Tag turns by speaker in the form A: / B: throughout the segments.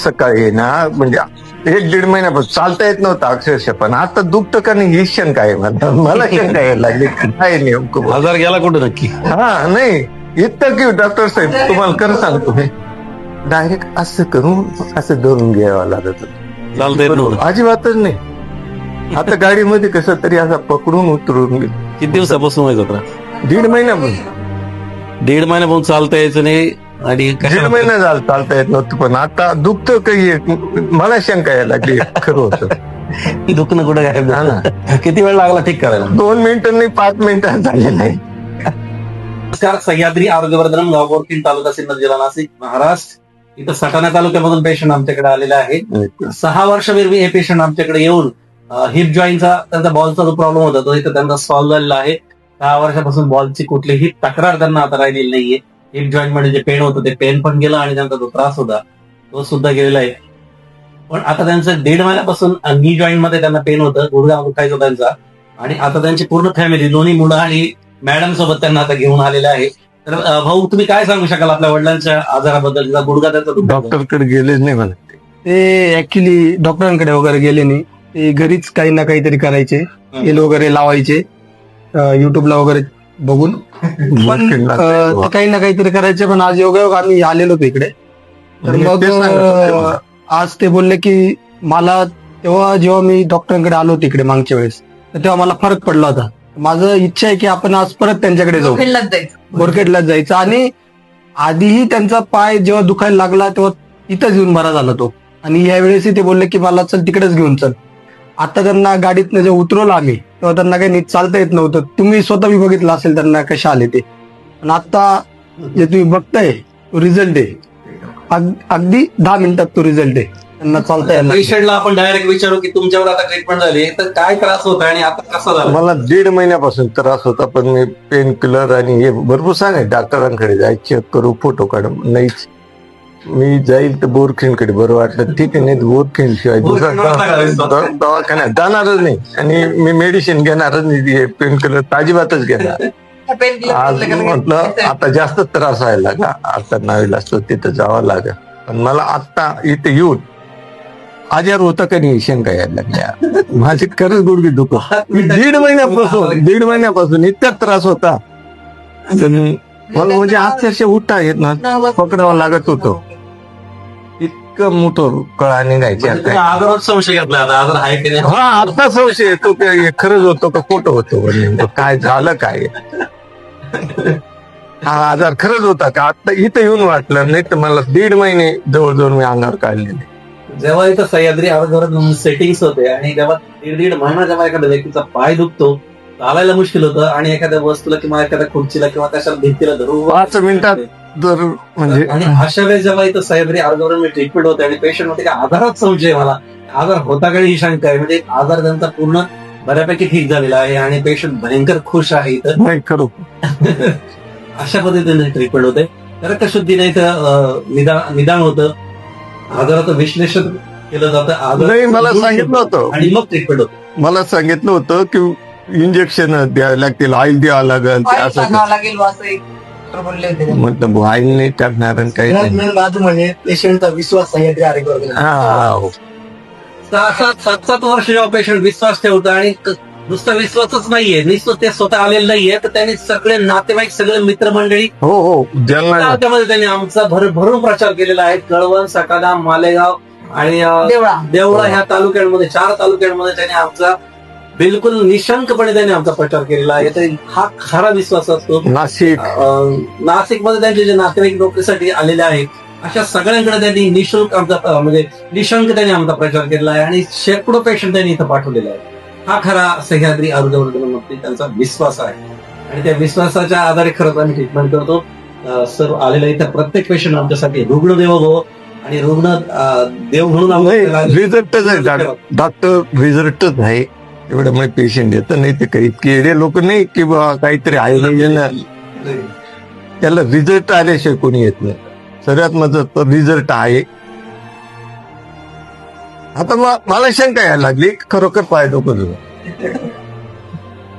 A: सकाळी ना म्हणजे 1-1.5 महिन्यापासून चालता येत नव्हतं अक्षरशः, पण आता दुखतं का नाही ही शंका आहे मला शंका यायला लागली काय नेमकं.
B: आजार गेला कुठं नक्की?
A: हा नाही इतकं की डॉक्टर साहेब तुम्हाला खरं सांगतो मी डायरेक्ट असं करून असं धरून घ्यावं लागत होतं.
B: चालता येत नव्हतं.
A: अजिबातच नाही. आता गाडीमध्ये कसं तरी असं पकडून उतरून गेलो.
B: किती दिवसापासून व्हायचा त्रास?
A: 1.5 महिन्यापासून
B: 1.5 महिन्यापासून चालता यायचं नाही आणि
A: 1.5 महिना झाला चालता येत नव्हतं, पण आता दुखतं काही मला शंका यायला लागली खरं होतं.
B: दुखणं कुठं गायब
A: हा
B: झालं?
A: ना.
B: किती वेळ लागला ठीक करायला?
A: 2 मिनिटं नाही 5 मिनिटात झाले नाही.
B: नमस्कार, सह्याद्री आरोग्यवर्धन गाव बोरकीन, तालुका सिन्नर, जिल्हा नाशिक, महाराष्ट्र. इथं सटाणा तालुक्यामधून पेशंट आमच्याकडे आलेला आहे. 6 वर्षापूर्वी हे पेशंट आमच्याकडे येऊन हिप जॉईंटचा त्यांचा बॉलचा जो प्रॉब्लेम होता तो इथं त्यांचा सॉल्व्ह झालेला आहे. 6 वर्षापासून बॉलची कुठलीही तक्रार त्यांना आता राहिलेली नाहीये. हिप जॉईंट मध्ये जे पेन होतं ते पेन पण गेलं आणि त्यांचा जो त्रास होता तो सुद्धा गेलेला आहे. पण आता त्यांचं 1.5 महिन्यापासून नी जॉईंट मध्ये त्यांना पेन होतं, गुडघा दुखायचा त्यांचा. आणि आता त्यांची पूर्ण फॅमिली, दोन्ही मुलं आणि मॅडम सोबत त्यांना आता घेऊन आलेले आहे. तर भाऊ, तुम्ही काय सांगू शकाल आपल्या वडिलांच्या आजाराबद्दल? गुडघा त्यांचा
A: डॉक्टरकडे गेलेच नाही मला.
C: ते ऍक्च्युली डॉक्टरांकडे वगैरे गेले नाही, ते घरीच काही ना काहीतरी करायचे, तेल वगैरे लावायचे युट्यूबला वगैरे बघून. पण ते काही ना काहीतरी करायचे. पण आज योगायोग आम्ही आलेलो होतो इकडे. तर मग आज ते बोलले की मला तेव्हा जेव्हा मी डॉक्टरांकडे आलो तिकडे मागच्या वेळेस, तर तेव्हा मला फरक पडला होता. माझं इच्छा आहे की आपण आज परत त्यांच्याकडे जाऊ, बोरखेडलाच जायचं. आणि आधीही त्यांचा पाय जेव्हा दुखायला लागला तेव्हा इथंच येऊन बरा झाला तो. आणि यावेळेसही ते बोलले की मला चल तिकडेच घेऊन चल. आता त्यांना गाडीतनं जेव्हा उतरवलं आम्ही तेव्हा त्यांना काही नीट चालता येत नव्हतं. तुम्ही स्वतः बी बघितलं असेल त्यांना कशा आले ते. पण आता जे तुम्ही बघताय तो रिझल्ट आहे. अगदी 10 मिनिटात तो रिझल्ट आहे. त्यांना चालता येईल.
B: पेशंटला आपण डायरेक्ट विचारू की तुमच्यावर आता ट्रीटमेंट झाली तर काय त्रास होता आणि आता कसा झाला?
A: मला 1.5 महिन्यापासून त्रास होता, पण मी पेन किलर आणि हे भरपूर सांगाय डॉक्टरांकडे जाय, चेक करू, फोटो काढ. नाहीच. मी जाईल तर बोरखेडकडे बरं वाटलं ठीक आहे, नाही बोरखेड शिवाय दुसरा दवाखान्यात जाणारच नाही. आणि मी मेडिसिन घेणारच नाही, पेन किलर अजिबातच घेणार. आज म्हटलं आता जास्त त्रास व्हायला लागला, आता नावीला असतो तिथं जावं लागेल. पण मला आता इथे येऊन आजार होता का नाही शंका यायला लागल्या. माझी खरंच गुडघे दुखत 1.5 महिन्यापासून इतका त्रास होता. मला म्हणजे अक्षरशः उठता येत ना, पकडावं लागत होतं. इतकं मोठं कळा निघायचे.
B: आजारात संशय घेतला आता आजार आहे की नाही?
A: हा आता संशय येतो की खरंच होतो का खोटं होतं, काय झालं काय. हा आजार खरंच होता का आता इथं येऊन वाटलं. नाही तर मला 1.5 महिने जवळजवळ मी अंगावर काढलेले.
B: जेव्हा इथं सह्याद्री आरोग्यवर्धन सेटिंग्स होते आणि जेव्हा 1.5 महिना जेव्हा एखाद्या व्यक्तीचा पाय दुखतो, चालायला मुश्किल होतं आणि एखाद्या वस्तूला किंवा एखाद्या खुर्चीला किंवा कशाला भिंतीला धरून
A: 5 मिनिटात जर म्हणजे
B: आणि अशा वेळेस जेव्हा इथं सह्याद्री आरोग्यवर्धन ट्रीटमेंट होते आणि पेशंट होते की आजारात संशय, मला आजार होता का ही शंका आहे. म्हणजे आजार त्यांचा पूर्ण बऱ्यापैकी ठीक झालेला आहे आणि पेशंट भयंकर खुश आहे इथं.
A: नाही खरं.
B: अशा पद्धतीने ट्रीटमेंट होते. रक्तशुद्धीने इथं निदान होतं, आजाराचं विश्लेषण केलं जातं.
A: नाही मला सांगितलं होतं,
B: आणि मग ट्रीटमेंट होतं.
A: मला सांगितलं होतं की इंजेक्शन द्यावं लागतील, ऑइल द्यावं लागेल असं. म्हटलं ऑइल नाही टाकणार आणि काही नाही.
C: म्हणजे पेशंटचा विश्वास सह्याद्री आरोग्यवर्धन.
A: हा
B: 7 वर्ष जेव्हा पेशंट विश्वास ठेवतो आणि नुसता विश्वासच नाहीये, नुसतं ते स्वतः आलेलं नाहीये, तर त्यांनी सगळे नातेवाईक, सगळे मित्रमंडळी
A: हो हो ज्यांना
B: त्यामध्ये त्यांनी आमचा भरभरून प्रचार केलेला आहे. कळवण, सटाणा, मालेगाव आणि देवळा ह्या तालुक्यांमध्ये, 4 तालुक्यांमध्ये त्यांनी आमचा बिलकुल निशंकपणे त्यांनी आमचा प्रचार केलेला आहे. तर हा खरा विश्वास असतो. नाशिकमध्ये त्यांचे जे नातेवाईक नोकरीसाठी आलेले आहेत अशा सगळ्यांकडे त्यांनी निशुल्क आमचा म्हणजे निशंक त्यांनी आमचा प्रचार केलेला आहे आणि शेकडो पेशंट त्यांनी इथं पाठवलेला आहे. हा खरा सह्याद्री आरोग्यवर्धनामध्ये त्यांचा विश्वास आहे आणि त्या विश्वासाच्या आधारे खरंच आम्ही ट्रीटमेंट करतो. सर्व आलेला इथं प्रत्येक पेशंट आमच्यासाठी रुग्ण देव भव आणि रुग्ण देव म्हणून
A: रिझल्टच आहे. डॉक्टर रिझल्टच आहे, एवढ्यामुळे पेशंट येतं. नाही ते काही इतके एवढे लोक नाही की बा काहीतरी आहे, त्याला रिझल्ट आल्याशिवाय कोणी येत नाही. सर्वात महत्वाचं रिझल्ट आहे. आता मला शंका यायला लागली खरोखर पाय डोकं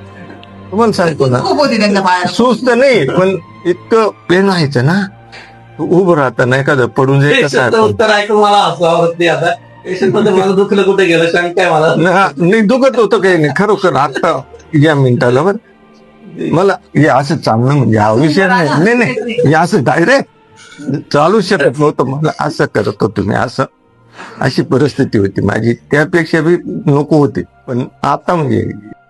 A: तुम्हाला सांगतो ना, सुस्त नाही पण इतकं पेन व्हायचं ना, उभं राहताना एखादं पडून जाईल कसं
B: पेशंटचं
A: आहे?
B: उत्तर ऐकून मला हसू आवडत नाही आता. पेशंट मध्ये मला दुखलं कुठे गेलं शंका आहे मला.
A: नाही दुखत होतं काही नाही खरोखर आता या मिनिटाला बरं मला हे असं चांगलं म्हणजे हा विषय नाही हे असं डायरेक्ट चालू शकत नव्हतं मला असं करत होतो मी असं अशी परिस्थिती होती माझी त्यापेक्षा बी नको होती पण आता म्हणजे